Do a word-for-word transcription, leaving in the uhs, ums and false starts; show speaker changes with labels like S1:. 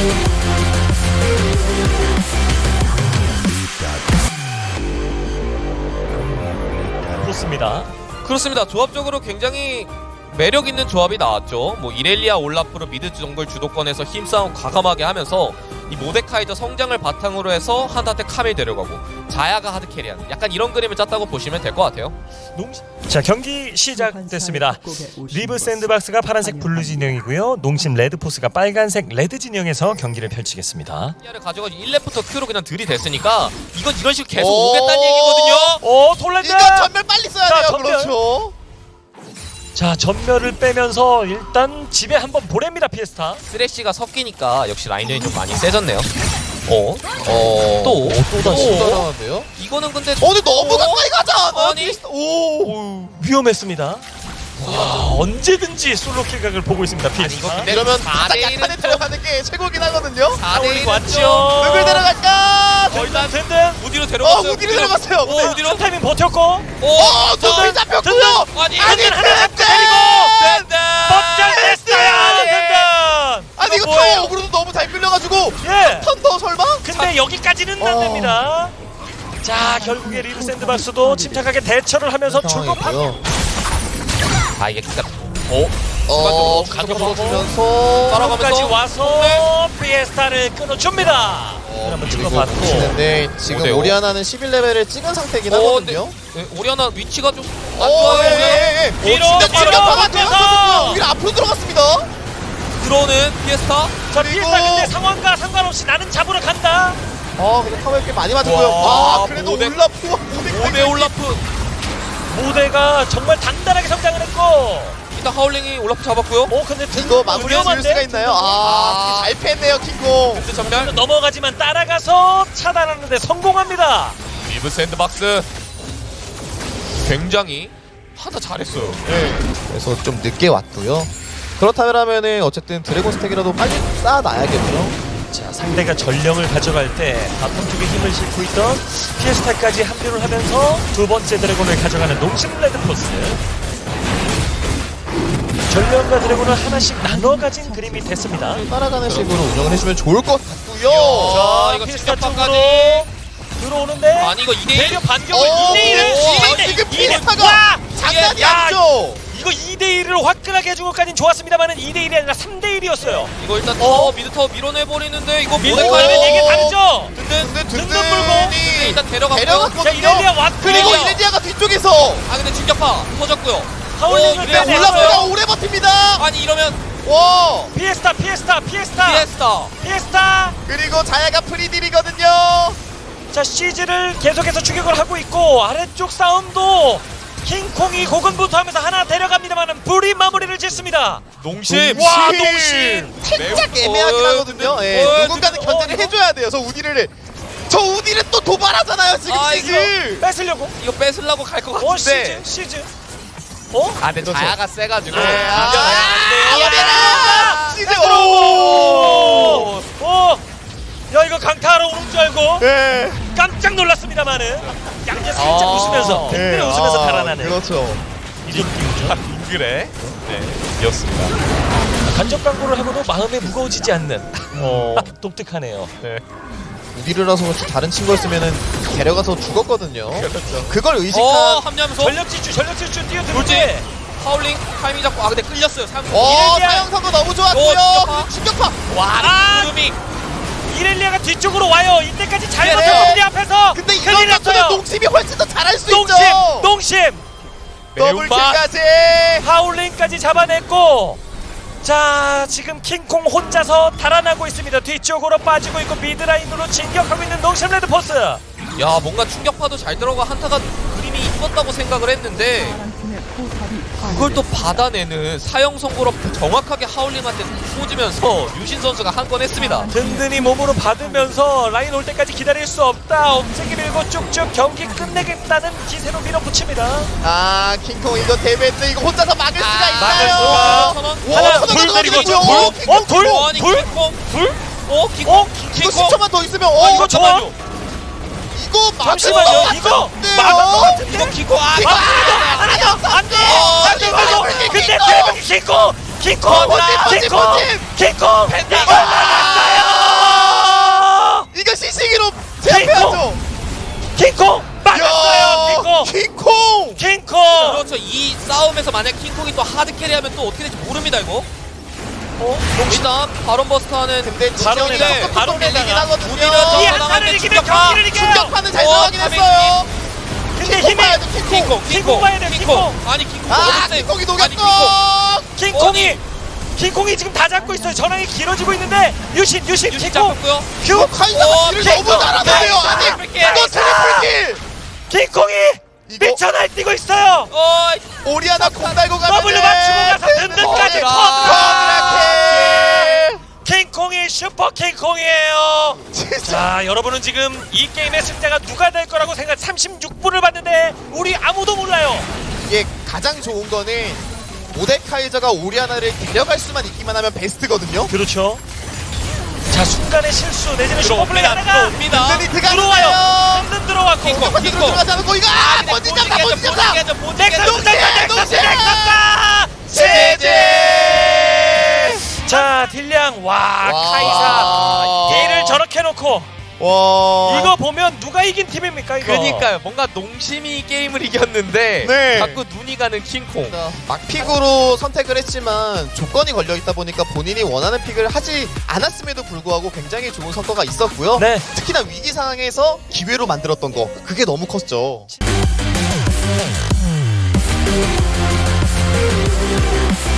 S1: 그렇습니다.
S2: 그렇습니다. 조합적으로 굉장히 매력 있는 조합이 나왔죠. 뭐 이렐리아 올라프로 미드 정글 주도권에서 힘싸움 과감하게 하면서 이 모데카이저 성장을 바탕으로 해서 한타한테 카밀 데려가고 자야가 하드캐리하는 약간 이런 그림을 짰다고 보시면 될 것 같아요.
S1: 농시... 자, 경기 시작됐습니다. 리브 샌드박스가 파란색 블루 진영이고요. 농심 레드포스가 빨간색 레드 진영에서 경기를 펼치겠습니다.
S2: 를 가져가지고 일 렙부터 Q로 그냥 들이댔으니까 이건 이런 식으로 계속 오겠다는 얘기거든요.
S1: 오, 톨랜드!
S3: 이거 전멸 빨리 써야
S1: 자,
S3: 돼요.
S1: 전멸.
S3: 그렇죠.
S1: 자, 전멸을 빼면서 일단 집에 한번 보냅니다, 피에스타.
S2: 쓰레쉬가 섞이니까 역시 라인전이 좀 많이 세졌네요. 어?
S3: 어.
S2: 또?
S3: 또 다시
S2: 또?
S3: 따라가는데요?
S2: 이거는 근데
S3: 어, 근데 너무 가까이 가자.
S2: 아니.
S3: 오.
S1: 위험했습니다. 와, 언제든지 솔로킬 각을 보고 있습니다,
S2: 아니
S1: 피에스타.
S2: 이거 근데
S3: 이러면
S2: 사
S3: 가장
S2: 대 일은
S3: 약한 애 들어가는 게 최고긴 하거든요.
S2: 사 대 일은
S1: 왔죠.
S3: 누굴 데려갈까?
S1: 일단 든든.
S2: 우디로
S3: 어,
S2: 데려갔어요.
S3: 우디로 들어갔어요.
S2: 오,
S3: 근데
S2: 우디로.
S1: 한 타이밍 버텼고.
S2: 오,
S3: 어, 저기 잡혔고요.
S2: 아니,
S3: 아니,
S1: 든든 하나 잡고
S3: 든든!
S1: 때리고.
S2: 든든.
S1: 뻗장됐어요, 든든.
S3: 아니 이거
S2: 뭐예요?
S3: 타워 어그로도 너무 잘 끌려가지고
S1: 예.
S3: 턴더 설마?
S1: 근데 여기까지는 안
S3: 어.
S1: 됩니다. 자, 결국에 리브 샌드박스도 침착하게 대처를 하면서 출범합니다.
S2: 아 이게 진짜 어?
S3: 어,
S2: 가격
S3: 가격 풀어주면서
S2: 따라가면서
S1: 까지 와서 피에스타를 끊어줍니다.
S3: 어,
S1: 한번
S3: 그리고
S1: 찍어봤고.
S3: 붙이는데 지금
S2: 오 대 오.
S3: 오리아나는 십일 레벨을 찍은 상태긴
S2: 어,
S3: 하거든요.
S2: 네, 오리아나 위치가 좀 안
S3: 어,
S2: 좋아요.
S3: 예, 예, 예.
S1: 뒤로
S3: 근데
S1: 바로
S3: 충격파가
S1: 앞에서.
S3: 들어갔거든요. 오히려 앞으로 들어갔습니다.
S2: 들어오는 피에스타.
S1: 자,
S3: 그리고-
S1: 피에스타 근데 상황과 상관없이 나는 잡으러 간다.
S3: 아, 근데 타워에 꽤 많이 맞았고요.
S2: 와,
S3: 아, 그래도
S2: 모델-
S3: 올라프와 모델
S2: 오대 올라프.
S1: 모대가 정말 단단하게 성장을 했고.
S2: 일단 하울링이 올라프 잡았고요.
S1: 오, 근데
S3: 이거 마무리해 줄 수가 있나요? 아,
S2: 아.
S3: 잘 뺐네요, 킹콩.
S2: 근데 전멸.
S1: 넘어가지만 따라가서 차단하는데 성공합니다.
S2: 리브 샌드박스 굉장히 하다 잘했어요.
S3: 네. 그래서 좀 늦게 왔고요. 그렇다면은 어쨌든 드래곤 스택이라도 빨리 쌓아놔야겠죠.
S1: 자, 상대가 전령을 가져갈 때 바텀 쪽에 힘을 싣고 있던 피에스타까지 합류를 하면서 두 번째 드래곤을 가져가는 농심 레드포스. 전령과 드래곤을 하나씩 나눠 가진 그림이 됐습니다.
S3: 따라가는 식으로 운영을 해주면 좋을 것 같고요.
S2: 자, 이거
S1: 피에스타
S2: 충격파까지.
S1: 쪽으로 들어오는데
S2: 아니 이거 이 대 일.
S1: 대려 반격을
S3: 어,
S1: 이 대 일을
S3: 어, 지금 피에스타가 장난이
S1: 야,
S3: 아니죠.
S1: 이거 이 대 일을 화끈하게 해주고까지는 좋았습니다만 이 대 일이 아니라 삼 대 일이었어요.
S2: 이거 일단 타워 미드 타워 밀어내버리는데 이거
S1: 밀고
S2: 모델
S1: 가면
S2: 가면
S1: 이게
S2: 이게
S1: 다르죠?
S2: 든든
S3: 근데
S1: 든든
S3: 든든이
S2: 일단 데려갔고요.
S1: 자,
S3: 데려갔거든요.
S1: 이렐리아 왔고
S3: 그리고
S2: 이렐리아.
S3: 이레디아가 뒤쪽에서
S2: 아 근데 충격파 터졌고요.
S1: 하울링을
S2: 어,
S3: 근데
S2: 이레디아
S1: 빼내서
S3: 올라프가 오래 버팁니다.
S2: 아니 이러면
S3: 와.
S1: 피에스타 피에스타 피에스타
S2: 피에스타.
S1: 피에스타.
S3: 그리고 자야가 프리딜이거든요.
S1: 자, 시즈를 계속해서 추격을 하고 있고 아래쪽 싸움도 킹콩이 고군분투하면서 하나 데려갑니다만은 불이 마무리를 짓습니다.
S2: 농심.
S1: 와, 농심.
S3: 살짝
S2: 매우-
S3: 애매하긴
S2: 어,
S3: 하거든요.
S2: 든든.
S3: 예,
S2: 어,
S3: 누군가는
S2: 든든.
S3: 견제를
S2: 어,
S3: 해줘야 돼요. 저 우디를 저 우디를 또 도발하잖아요. 지금
S2: 아,
S3: 시즈.
S1: 뺏으려고.
S2: 이거 뺏으려고 갈 것
S1: 어,
S2: 같은데.
S1: 시즈 시즈. 어?
S2: 아 근데
S3: 그렇죠.
S2: 자야가 세가지고.
S3: 네, 아,
S2: 아,
S3: 아, 시즈. 오.
S1: 오! 오! 야, 이거 강타하러 오는 줄 알고
S3: 네.
S1: 깜짝 놀랐습니다만은 양재 살짝
S2: 아.
S1: 웃으면서 든든히 웃으면서
S3: 아,
S1: 달아나는
S3: 그렇죠.
S1: 이런 느낌이죠.
S2: 빙그레. 네. 였습니다.
S1: 간접 광고를 하고도 마음에 무거워지지 않는 어, 독특하네요.
S2: 네.
S3: 우디르라서 그렇지 다른 친구였으면은 데려가서 죽었거든요.
S2: 그렇죠.
S3: 그걸 의식한.
S2: 어 합류하면서
S1: 전력 질주, 전력 질주
S2: 돌지.
S1: 뛰어들지.
S2: 파울링 타이밍 잡고 아 근데 끌렸어요. 삼.
S3: 어,
S1: 이렐리아.
S3: 사형선도 너무 좋았고요.
S2: 어,
S3: 근데 충격파.
S2: 와
S1: 아!
S2: 구름이.
S1: 이렐리아가 뒤쪽으로 와요. 이때까지 잘
S3: 네.
S1: 버텼는데 앞에서
S3: 근데 이런
S1: 큰일
S3: 것들은
S1: 났어요.
S3: 농심이 훨씬 더 잘할 수
S1: 농심,
S3: 있죠.
S1: 농심.
S2: 매운맛.
S3: 더블킬까지.
S1: 하울링까지 잡아냈고, 자, 지금 킹콩 혼자서 달아나고 있습니다. 뒤쪽으로 빠지고 있고 미드라인으로 진격하고 있는 농심 레드포스.
S2: 야 뭔가 충격파도 잘 들어가 한타가 그림이 이뻤다고 생각을 했는데 그걸 또 받아내는 사형 선고로 정확하게 하울링한테 꽂으면서 유신 선수가 한 건 했습니다.
S1: 든든히 몸으로 받으면서 라인 올 때까지 기다릴 수 없다. 엄세기 밀고 쭉쭉 경기 끝내겠다는 기세로 밀어붙입니다.
S3: 아, 킹콩 이거 데뷔했는데 이거 혼자서 막을 수가
S1: 막을
S3: 있나요?
S1: 수가.
S2: 선언.
S3: 와,
S1: 하나,
S3: 선언
S1: 둘
S3: 선언
S1: 때리고
S3: 선언
S1: 둘.
S3: 선언.
S1: 어, 둘?
S2: 어, 아니
S1: 둘?
S2: 킹콩.
S1: 둘?
S2: 어 킹콩.
S1: 어?
S3: 이거
S2: 킹콩.
S3: 십 초만 더 있으면 어,
S1: 어,
S3: 이거
S1: 이거 좋아.
S3: 이거 막을
S1: 잠시만요.
S3: 것
S1: 이거
S3: 같은데요?
S1: 막을 것 같은데?
S2: 이거 킹콩. 아,
S3: 킹콩.
S1: 하나 더! 안 돼!
S3: 어,
S1: 안 돼!
S3: 킹콩,
S1: 말고!
S3: 킹콩,
S1: 근데
S3: 킹콩.
S1: 대박이 킹콩! 킹콩!
S3: 번짐, 번짐,
S1: 킹콩!
S3: 번짐.
S1: 킹콩! 이걸 막았어요!
S2: 하드 캐리하면 또 어떻게 될지 모릅니다 이거.
S1: 어?
S2: 일단 바론 버스터는
S3: 근데
S1: 바론에,
S3: 지정이가 조금
S1: 바론에
S3: 밀리긴
S1: 나가.
S3: 하거든요.
S2: 우리는
S1: 이
S2: 저-
S1: 한타를 이기면
S2: 충격파.
S1: 경기를 이겨요.
S3: 충격파는 잘
S2: 어,
S3: 들어가긴
S2: 카메-
S3: 했어요.
S1: 근데
S3: 킹콩
S1: 힘이
S3: 봐야 돼, 킹콩.
S2: 킹콩
S1: 킹콩
S2: 킹콩
S1: 봐야 돼요, 킹콩.
S2: 아니 킹콩
S3: 아,
S2: 너무 세.
S3: 킹콩이
S2: 아니 킹콩.
S3: 녹였어.
S1: 킹콩이 킹콩이 지금 다 잡고 있어요. 전황이 길어지고 있는데 유신 유신
S2: 유신
S1: 킹콩
S2: 잡혔고요.
S1: 큐
S3: 어, 카이사가
S2: 어,
S3: 딜을
S2: 킹콩.
S3: 너무 잘하는데요. 아니,
S2: 트리플킬.
S3: 이거 트리플킬.
S1: 킹콩이
S3: 이거
S1: 미쳐 날뛰고 있어요.
S2: 어,
S3: 오리아나 공 달고 가면
S1: 더블로 맞추고 가서 든든까지
S3: 쿼드라킬.
S1: 킹콩이 슈퍼 킹콩이에요.
S3: 진짜.
S1: 자, 여러분은 지금 이 게임의 승자가 누가 될 거라고 생각 삼십육 분을 봤는데 우리 아무도 몰라요.
S3: 이게 가장 좋은 거는 모데카이저가 오리아나를 데려갈 수만 있기만 하면 베스트거든요.
S1: 그렇죠. 자, 순간의 실수 내지는 슈퍼플레이
S2: 들어옵니다.
S1: 하다가
S2: 들어옵니다.
S3: 든든히
S1: 들어와요.
S3: 들어가요.
S1: 든든 들어왔고
S2: 킹콩.
S3: 공격파 들어가지 않고 이거 아! 본진 잡다 본진 잡다.
S1: 넥서스
S3: 농심,
S1: 넥서스 넥서스
S3: 농심!
S1: 넥서스
S3: 제제.
S1: 자, 딜량 와,
S3: 와.
S1: 카이사 얘를 저렇게 놓고
S3: 와.
S1: 이거 보면 누가 이긴 팀입니까 이거?
S2: 그러니까요. 뭔가 농심이 게임을 이겼는데
S3: 네.
S2: 자꾸 눈이 가는 킹콩.
S3: 막픽으로 선택을 했지만 조건이 걸려 있다 보니까 본인이 원하는 픽을 하지 않았음에도 불구하고 굉장히 좋은 성과가 있었고요.
S1: 네.
S3: 특히나 위기 상황에서 기회로 만들었던 거 그게 너무 컸죠.